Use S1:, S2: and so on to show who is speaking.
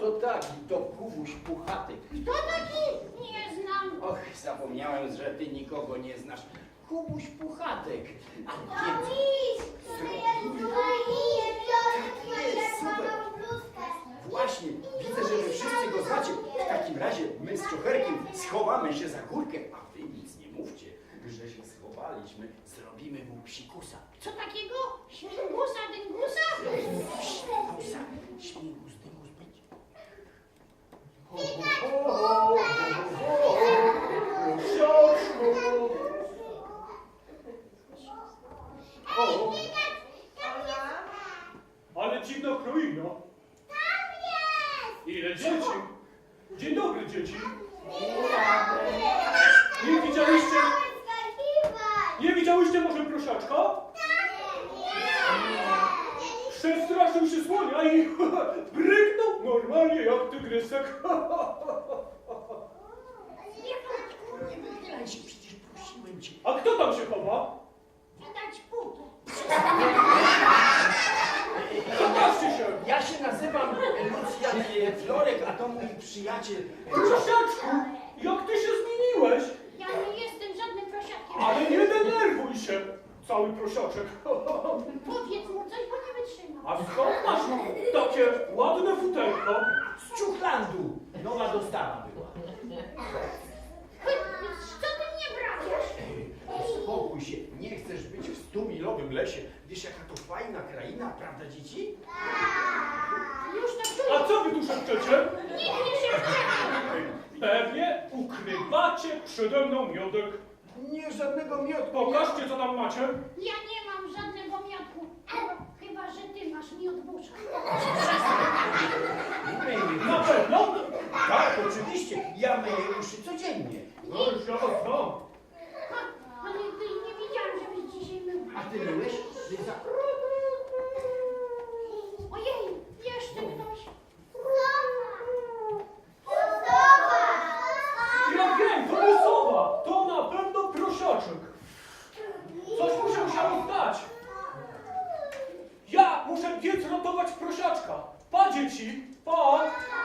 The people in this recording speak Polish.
S1: to taki, to Kubuś Puchatek.
S2: Kto taki? Nie znam.
S1: Och, zapomniałem, że ty nikogo nie znasz. Kubuś Puchatek. A
S3: To
S1: więc...
S3: miś, który jest tutaj i biorę twoją
S1: Jest, super.
S3: czerwoną bluzkę.
S1: Właśnie, widzę, że wy wszyscy go znacie. W takim razie my z Czocherkiem schowamy się za górkę, a wy nic nie mówcie, że się schowaliśmy. Zrobimy mu psikusa.
S2: Co takiego? Śmigusa, dyngusa?
S1: Psikusa. Śmigus, dymus będzie.
S4: Ale dziwna kroina.
S3: Tam jest!
S4: Ile dzieci? Dzień dobry, dzieci. Nie
S3: Nie
S4: widziałyście,
S3: skakiwać!
S4: nie widziałyście może prosiaczka? Przestraszył się słonia i bryknął normalnie jak tygrysek.
S1: Nie wychylaj się, przecież prosiłem cię.
S4: A kto tam się chowa?
S2: Widać putę.
S4: Pokażcie się.
S1: Ja się nazywam Lucjan Florek, a to mój przyjaciel.
S4: Prosiaczku, jak ty się zmieniłeś?
S2: Ja nie jestem żadnym prosiakiem.
S4: Ale nie denerwuj się, cały prosiaczek.
S2: Powiedz mu coś, bo nie wytrzymam.
S4: A skąd masz takie ładne futerko?
S1: Z Ciuchlandu. Nowa dostawa była.
S2: Co ty mnie brawiasz?
S1: Spokój się, nie chcesz być w 100-milowym lesie. Wiesz, jaka to fajna kraina, prawda, dzieci?
S2: Już to czuję.
S4: A co wy tu szepczecie?
S2: Nikt się wczoraj.
S4: Pewnie ukrywacie przede mną miodek.
S1: Nie, żadnego miodku.
S4: Pokażcie, co tam macie.
S2: Ja nie mam żadnego miodku. Chyba, że ty masz miód busza.
S4: Na pewno?
S1: Tak, oczywiście. Ja myję uszy codziennie.
S4: No już ja was znam.
S2: Ale ty nie widziałam, żebyś dzisiaj mył.
S1: A ty myłeś? Ty za...
S2: Ojej, jeszcze ktoś.
S4: Ja wiem, to nie sowa. To na pewno prosiaczek. Coś mu się musiało stać. Ja muszę biec ratować prosiaczka. Pa, dzieci, pa.